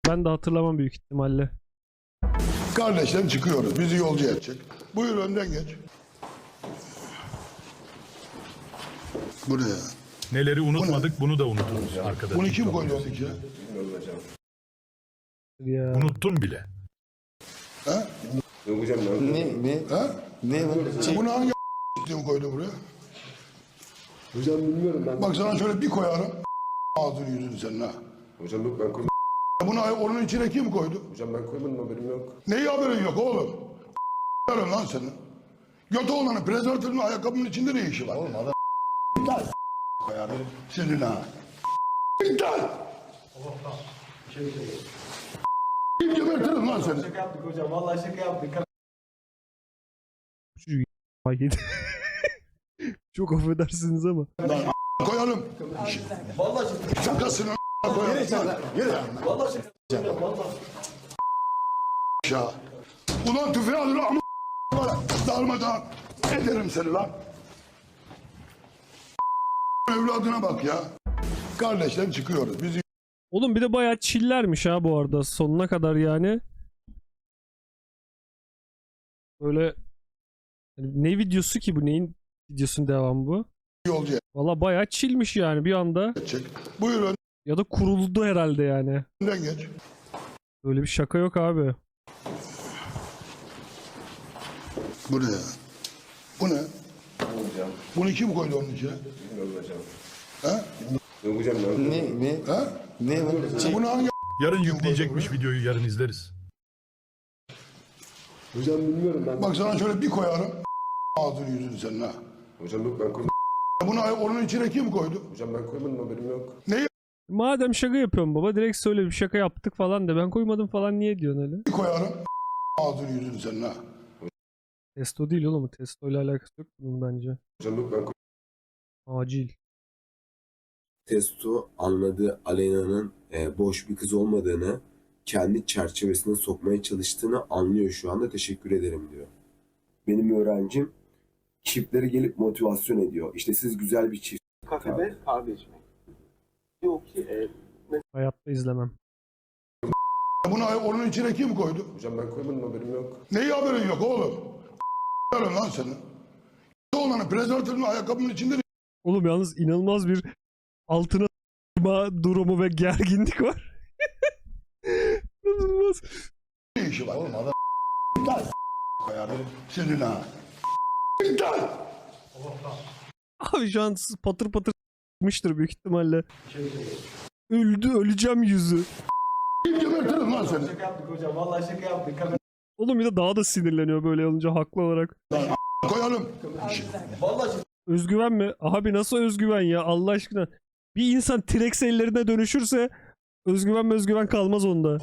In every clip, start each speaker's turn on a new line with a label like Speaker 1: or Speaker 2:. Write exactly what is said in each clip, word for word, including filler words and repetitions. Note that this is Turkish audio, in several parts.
Speaker 1: Ben de hatırlamam büyük ihtimalle.
Speaker 2: Kardeşler çıkıyoruz. Bizi yolcu edecek. Buyur önden geç. Bu ne ya?
Speaker 3: Neleri unutmadık bunu da unuturuz arkadaş.
Speaker 2: Bunu kim koydu onun içine?
Speaker 1: Ya.
Speaker 3: Unuttun bile.
Speaker 2: Ha?
Speaker 4: Ne? Ne?
Speaker 2: Ha?
Speaker 4: Ne bu?
Speaker 2: Bunu hangi kim koydu buraya?
Speaker 4: Hocam bilmiyorum ben.
Speaker 2: Bak sana şöyle bir koyarım. Ağzını yüzünü senin ha.
Speaker 4: Hocam yok ben koymadım.
Speaker 2: Bunu onun içine kim koydu?
Speaker 4: Hocam ben koymadım haberim yok.
Speaker 2: Neyi haberin yok oğlum? Yarın lan senin. Götü olanı prezervatifin ayakkabının içinde ne işi var? Oğlum adam İptal. Koyarım senin ha. İptal. Kim gebertirim lan seni?
Speaker 5: Şaka yaptık hocam. Vallahi şaka yaptık.
Speaker 1: Hayır. Çok affedersiniz ama.
Speaker 2: Lan koyalım.
Speaker 5: Vallahi şaka.
Speaker 2: Şakasını koyalım. Yürü.
Speaker 5: Vallahi şaka. Hocam vallahi.
Speaker 2: Ya. Ulan tüfeği alır ama darmadan ederim seni lan. Evladına bak ya. Kardeşler çıkıyoruz. Bizi
Speaker 1: Oğlum bir de bayağı chillermiş ha bu arada sonuna kadar yani. Böyle hani ne videosu ki bu, neyin videosunun devamı bu?
Speaker 2: yolcu
Speaker 1: Valla bayağı chillmiş yani bir anda.
Speaker 2: edecek. Buyur
Speaker 1: Ya da kuruldu herhalde yani.
Speaker 2: önden geç.
Speaker 1: Böyle bir şaka yok abi.
Speaker 2: Bu ne ya? Bu ne?
Speaker 4: Hocam.
Speaker 2: Bunu kim koydu onun içine?
Speaker 4: Bilmiyorum hocam.
Speaker 2: Ha?
Speaker 4: Yok hocam ben. Ne? Ne?
Speaker 2: Ha?
Speaker 4: Ne bu?
Speaker 2: Bunu hangi
Speaker 3: Yarın yükleyecekmiş videoyu, yarın izleriz.
Speaker 4: Hocam bilmiyorum ben.
Speaker 2: bak sana şöyle bir koyarım. Ağzını yüzünü senin ha.
Speaker 4: Hocam yok ben koymadım.
Speaker 2: Bunu onun içine kim koydu?
Speaker 4: Hocam ben koymadım haberim yok.
Speaker 2: Neyi
Speaker 1: Madem şaka yapıyorum baba direkt söyle bir şaka yaptık falan de. Ben koymadım falan niye diyorsun öyle?
Speaker 2: koyarım? Ağzını yüzünü senin ha.
Speaker 1: Testo değil oğlum. Testo ile alakası yok bunun bence.
Speaker 4: Hocam yok ben koymadım.
Speaker 1: Acil.
Speaker 6: Testo anladığı Aleyna'nın e, boş bir kız olmadığını, kendi çerçevesine sokmaya çalıştığını anlıyor şu anda. Teşekkür ederim diyor. Benim öğrencim çiftlere gelip motivasyon ediyor. İşte siz güzel bir çift.
Speaker 7: Kafede kahve içmek. Yok ki e,
Speaker 1: Hayatta izlemem.
Speaker 2: Bunu onun içine kim koydu?
Speaker 4: Hocam ben koymadım haberim yok.
Speaker 2: Neyi haberin yok oğlum? Yarın lan senin. Götü olanı prezervatifin ayakkabının içinde ne
Speaker 1: Oğlum yalnız inanılmaz bir altına s**ma durumu ve gerginlik var. İnanılmaz.
Speaker 2: işi var? Oğlum adam İptal. Koyarım senin ha. İptal.
Speaker 1: Abi şu an patır patır s**mıştır büyük ihtimalle. Öldü öleceğim yüzü.
Speaker 2: Kim gebertirim lan seni?
Speaker 5: Şaka yaptık hocam. Vallahi şaka yaptık.
Speaker 1: Oğlum bir de daha da sinirleniyor böyle olunca haklı olarak.
Speaker 2: Koyalım.
Speaker 5: Vallahi şaka.
Speaker 1: Özgüven mi? Abi nasıl özgüven ya Allah aşkına. Bir insan T-Rex ellerine dönüşürse özgüven özgüven kalmaz onda.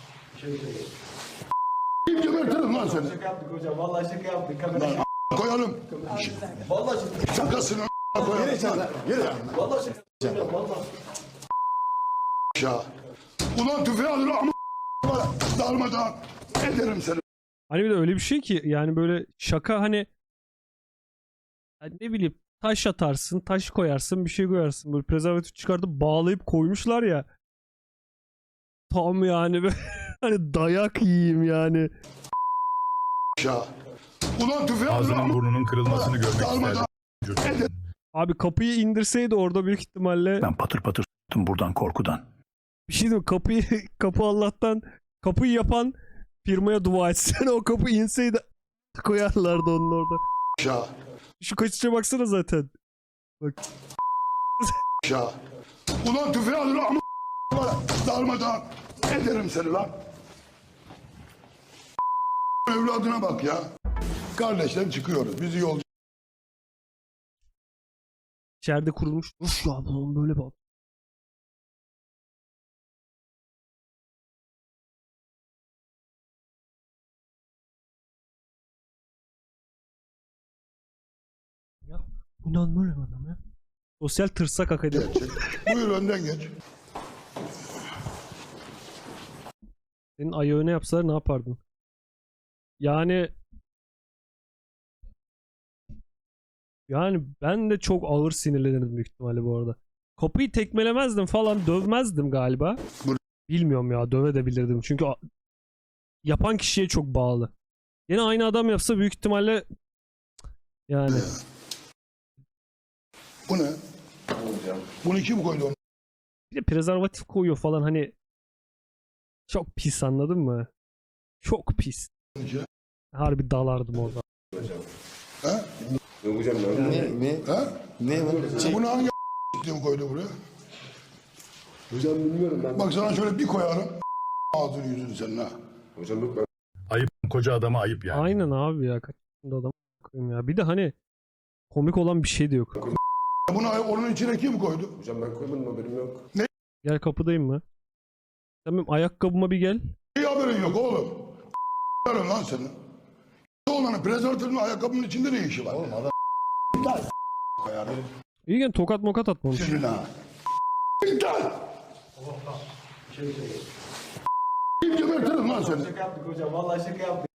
Speaker 2: Kim gebertirim lan seni?
Speaker 5: Şaka yaptık hocam. Vallahi şaka yaptık.
Speaker 2: Koyalım.
Speaker 5: Vallahi şaka.
Speaker 2: Şakasını koyalım.
Speaker 5: Vallahi şaka. Hocam vallahi.
Speaker 2: Ya. Ulan tüfeği alır ama darmadan ederim seni.
Speaker 1: Hani bir de öyle bir şey ki yani böyle şaka hani yani ne bileyim taş atarsın, taş koyarsın, bir şey koyarsın. Böyle prezervatif çıkartıp bağlayıp koymuşlar ya. Tam yani böyle hani dayak yiyeyim yani.
Speaker 2: Ya. Ulan tüfeği alır
Speaker 3: Ağzının
Speaker 2: ama
Speaker 3: burnunun kırılmasını görmek
Speaker 2: darmadan
Speaker 3: isterdim.
Speaker 1: Abi kapıyı indirseydi orada büyük ihtimalle
Speaker 3: Ben patır patır s**tım buradan korkudan.
Speaker 1: bir şey diyeyim mi? Kapıyı kapı Allah'tan kapıyı yapan firmaya dua etsen o kapı inseydi koyarlardı onun orada.
Speaker 2: ya.
Speaker 1: Şu kaçışa baksana zaten. Bak.
Speaker 2: Ya. Ulan tüfeği alır ama darmadan ederim seni lan. Evladına bak ya. Kardeşler çıkıyoruz. Bizi yolcu
Speaker 1: İçeride kurulmuş. Uf ya bunun böyle bak. Ya bu normal bir adam ya. Sosyal tırsak akademi.
Speaker 2: edecek. Buyur önden geç.
Speaker 1: Senin ayağı öne yapsalar ne yapardın? Yani yani ben de çok ağır sinirlenirdim büyük ihtimalle bu arada. Kapıyı tekmelemezdim falan, dövmezdim galiba. Bilmiyorum ya, dövebilirdim. Çünkü a- yapan kişiye çok bağlı. Yine aynı adam yapsa büyük ihtimalle yani
Speaker 2: Bu ne? Bunu kim koydu onun
Speaker 1: bir de prezervatif koyuyor falan, hani çok pis, anladın mı? Çok pis.
Speaker 2: içine?
Speaker 1: Harbi dalardım orada.
Speaker 2: He?
Speaker 4: Yok hocam ben
Speaker 8: Ne? Ne?
Speaker 2: He?
Speaker 8: Ne var? Şey,
Speaker 2: Bunu hangi kim koydu buraya?
Speaker 4: hocam bilmiyorum ben.
Speaker 2: Bak sana şöyle bir koyarım. Ağzını yüzünü senin ha.
Speaker 4: Hocam yok ben.
Speaker 3: Ayıp, koca adama ayıp yani.
Speaker 1: Aynen abi ya, kaç yaşında adam koyayım ya. Bir de hani komik olan bir şey de yok.
Speaker 2: Bunu onun içine kim koydu?
Speaker 4: Hocam ben koymadım haberim yok.
Speaker 1: Gel, kapıdayım mı? Sen benim ayakkabıma bir gel.
Speaker 2: İyi haberin yok oğlum. Verin lan senin. Oğlanın prezervatifin ayakkabının içinde ne işi var? Oğlum adam koyarım.
Speaker 1: İyi, gel, tokat mokat atmamış.
Speaker 2: Senin ha. İptal! Kim gebertirim lan seni?
Speaker 5: Şaka yaptık hocam. Vallahi şaka yaptık.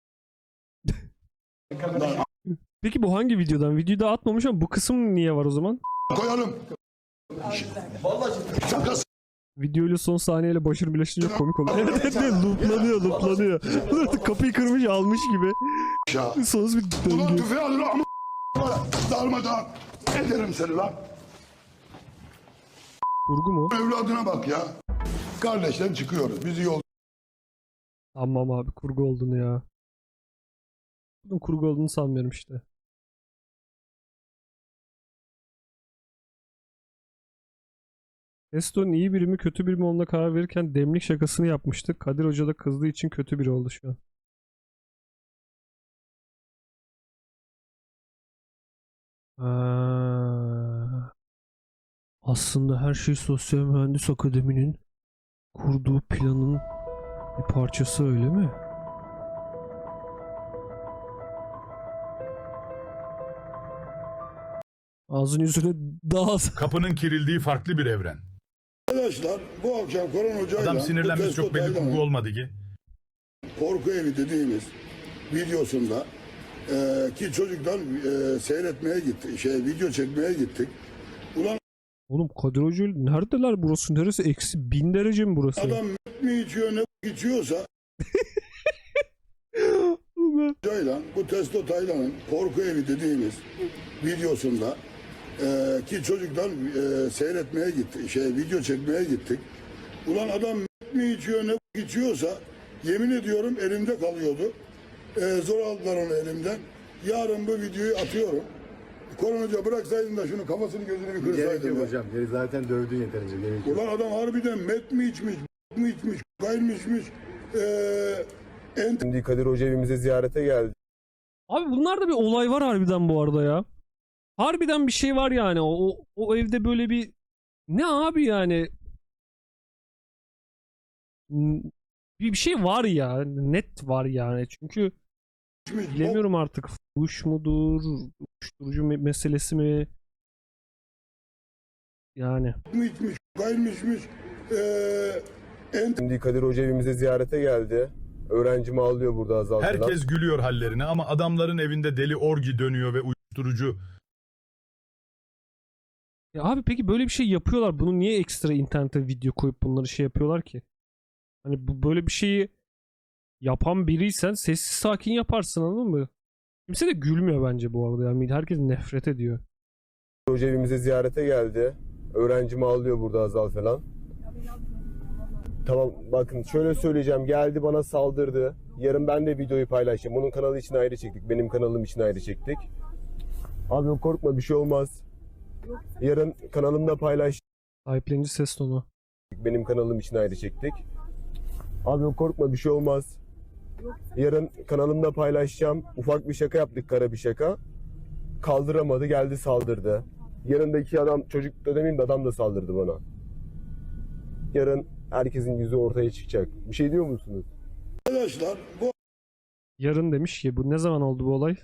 Speaker 2: Lan
Speaker 1: Peki bu hangi videodan? Videoyu da atmamış ama bu kısım niye var o zaman?
Speaker 2: koyalım.
Speaker 5: Vallahi şaka.
Speaker 2: Şakası.
Speaker 1: Videoyla son sahneyle başarı birleştirince komik oluyor. Evet evet evet, looplanıyor looplanıyor. Kapıyı kırmış almış gibi.
Speaker 2: Ya.
Speaker 1: Sonsuz bir
Speaker 2: Ulan
Speaker 1: döngü.
Speaker 2: tüfeği alır ama darmadan ederim seni lan.
Speaker 1: Kurgu mu?
Speaker 2: Evladına bak ya. Kardeşler çıkıyoruz. Bizi yol
Speaker 1: Tamam abi, kurgu olduğunu ya. Bunun kurgu olduğunu sanmıyorum işte. Testo'nun iyi biri mi kötü biri mi olduğuna karar verirken demlik şakasını yapmıştık. Kadir Hoca da kızdığı için kötü biri oldu şu an. Aa, aslında her şey Sosyal Mühendis Akademi'nin kurduğu planın bir parçası, öyle mi? Ağzın yüzüne daha
Speaker 3: Kapının kirildiği farklı bir evren.
Speaker 2: Arkadaşlar bu akşam Koran Hoca'yla
Speaker 3: Adam
Speaker 2: bu
Speaker 3: sinirlenmesi
Speaker 2: Testo
Speaker 3: çok belli,
Speaker 2: Taylan'ın
Speaker 3: kurgu olmadı ki.
Speaker 2: Korku Evi dediğimiz videosunda e, ki çocuklar e, seyretmeye gitti. Şey video çekmeye gittik. Ulan
Speaker 1: Oğlum Kadir Hoca neredeler, burası neresi? Eksi bin derece mi burası?
Speaker 2: adam mi içiyor ne içiyorsa Hoca'yla bu Testo Taylan'ın Korku Evi dediğimiz videosunda e, ki çocuklar e, seyretmeye gitti. Şey video çekmeye gittik. Ulan adam mi içiyor ne içiyorsa yemin ediyorum elimde kalıyordu. E, zor aldılar onu elimden. Yarın bu videoyu atıyorum. Koran Hoca bıraksaydın da şunu kafasını gözünü bir
Speaker 8: gerek
Speaker 2: kırsaydın.
Speaker 8: yok
Speaker 2: ya.
Speaker 8: hocam. Geri zaten dövdün yeterince. Gerek yok.
Speaker 2: Ulan adam harbiden met mi içmiş, mi içmiş, kaymışmış. Eee en
Speaker 4: Şimdi Kadir Hoca evimize ziyarete geldi.
Speaker 1: Abi bunlarda bir olay var harbiden bu arada ya. Harbiden bir şey var yani. O, o, o evde böyle bir... Ne abi yani? Hmm, Bir, bir şey var ya. Net var yani. Çünkü
Speaker 2: içmiş,
Speaker 1: bilemiyorum artık. Fuş mudur? Uyuşturucu me- meselesi mi? Yani.
Speaker 2: bok mu içmiş, kaymışmış. Eee en
Speaker 4: Şimdi Kadir Hoca evimize ziyarete geldi. Öğrencim ağlıyor burada Azal falan.
Speaker 3: Herkes gülüyor hallerine ama adamların evinde deli orgi dönüyor ve uyuşturucu.
Speaker 1: Ya abi peki böyle bir şey yapıyorlar. Bunu niye ekstra internete video koyup bunları şey yapıyorlar ki? Hani bu böyle bir şeyi yapan biriysen sessiz sakin yaparsın, anladın mı? Kimse de gülmüyor bence bu arada. Yani herkes nefret ediyor.
Speaker 4: Hoca evimize ziyarete geldi. Öğrencim ağlıyor burada Azal falan. Tamam bakın şöyle söyleyeceğim. Geldi bana saldırdı. Yarın ben de videoyu paylaşacağım. Onun kanalı için ayrı çektik. Benim kanalım için ayrı çektik. Abi yok, korkma bir şey olmaz. Yarın kanalımda paylaş.
Speaker 1: Sahiplenici ses tonu.
Speaker 4: Benim kanalım için ayrı çektik. Abi yok, korkma bir şey olmaz. Yarın kanalımda paylaşacağım. Ufak bir şaka yaptık, kara bir şaka. Kaldıramadı, geldi saldırdı. Yanındaki adam, çocuk da demeyeyim de adam da saldırdı bana. Yarın herkesin yüzü ortaya çıkacak. Bir şey diyor musunuz?
Speaker 2: arkadaşlar bu
Speaker 1: Yarın demiş ki, bu ne zaman oldu bu olay?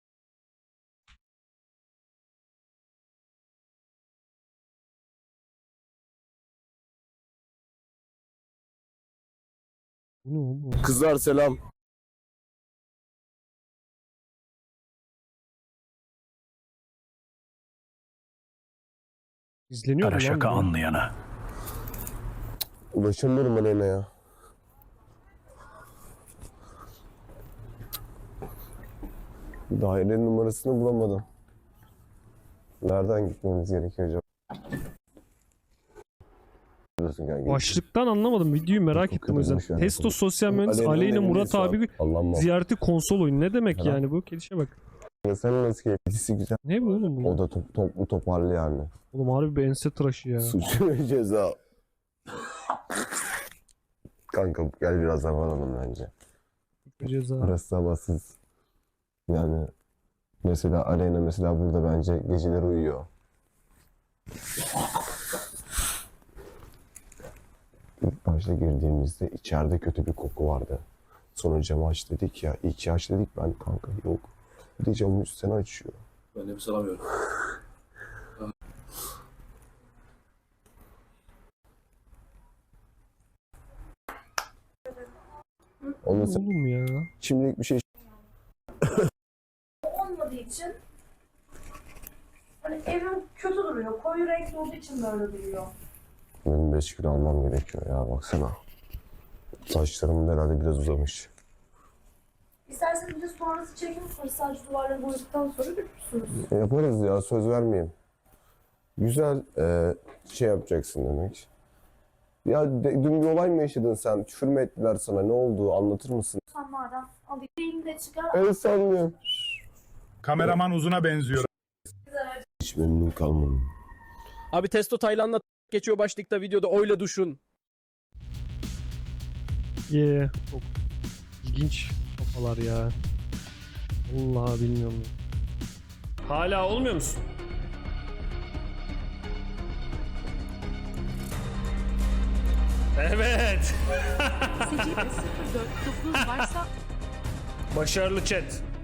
Speaker 1: Bu ne oğlum?
Speaker 4: Kızlar selam.
Speaker 1: İzleniyor mu
Speaker 3: Kara
Speaker 1: lan
Speaker 3: şaka
Speaker 1: bu?
Speaker 3: anlayana.
Speaker 4: Ulaşamıyorum Aleyna'ya. Dairenin numarasını bulamadım. Nereden gitmemiz gerekiyor acaba? Diyorsun kanka.
Speaker 1: Başlıktan anlamadım. Videoyu merak
Speaker 4: Çok
Speaker 1: ettim o yüzden.
Speaker 4: kötüymüş yani.
Speaker 1: Testo sosyal mühendis
Speaker 4: Aleyna'nın
Speaker 1: Aleyna
Speaker 4: evindeyiz
Speaker 1: Murat
Speaker 4: şu an.
Speaker 1: abi
Speaker 4: Allah'ım bak.
Speaker 1: ziyareti konsol oyunu. Ne demek
Speaker 4: Helal.
Speaker 1: yani bu? Kedişe bak.
Speaker 4: Sen nasıl keyiflisi güzel.
Speaker 1: Ne bu oğlum bu?
Speaker 4: O da top, toplu toparlı yani.
Speaker 1: Oğlum harbi bir ense tıraşı ya.
Speaker 4: Suç ve ceza. Kanka gel biraz havalanalım bence.
Speaker 1: Ceza.
Speaker 4: Burası sabahsız. Yani mesela Aleyna mesela burada bence geceleri uyuyor. İlk başta girdiğimizde içeride kötü bir koku vardı. Sonra camı aç dedik ya. İyi ki aç dedik, ben kanka yok. Bir de camın üstüne açıyor.
Speaker 5: Ben nefes alamıyorum.
Speaker 4: Ondan sonra
Speaker 1: Oğlum ya.
Speaker 4: şimdilik bir şey
Speaker 9: Olmadığı için hani evim kötü duruyor. Koyu renkli olduğu için böyle duruyor.
Speaker 4: benim beş kilo almam gerekiyor ya, baksana. Saçlarım da herhalde biraz uzamış.
Speaker 9: İsterseniz bir de sonrası çekim yaparız. Sadece duvarları boyadıktan sonra görürsünüz.
Speaker 4: Yaparız ya, söz vermeyeyim. Güzel e, şey yapacaksın demek. Ya de- dün bir olay mı yaşadın sen? Küfür mü ettiler sana? Ne oldu? Anlatır mısın?
Speaker 9: Sen madem alayım. Elini de çıkar.
Speaker 4: El sanmıyorum.
Speaker 3: Kameraman uzuna benziyor.
Speaker 4: Hiç memnun kalmadım.
Speaker 10: Abi Testo Tayland'la geçiyor başlıkta videoda oyla duşun.
Speaker 1: Yeah. Çok ilginç kafalar ya. Vallahi bilmiyorum. Hala olmuyor musun? Evet.
Speaker 11: sekiz sıfır dört dokuz varsa
Speaker 1: Başarılı chat.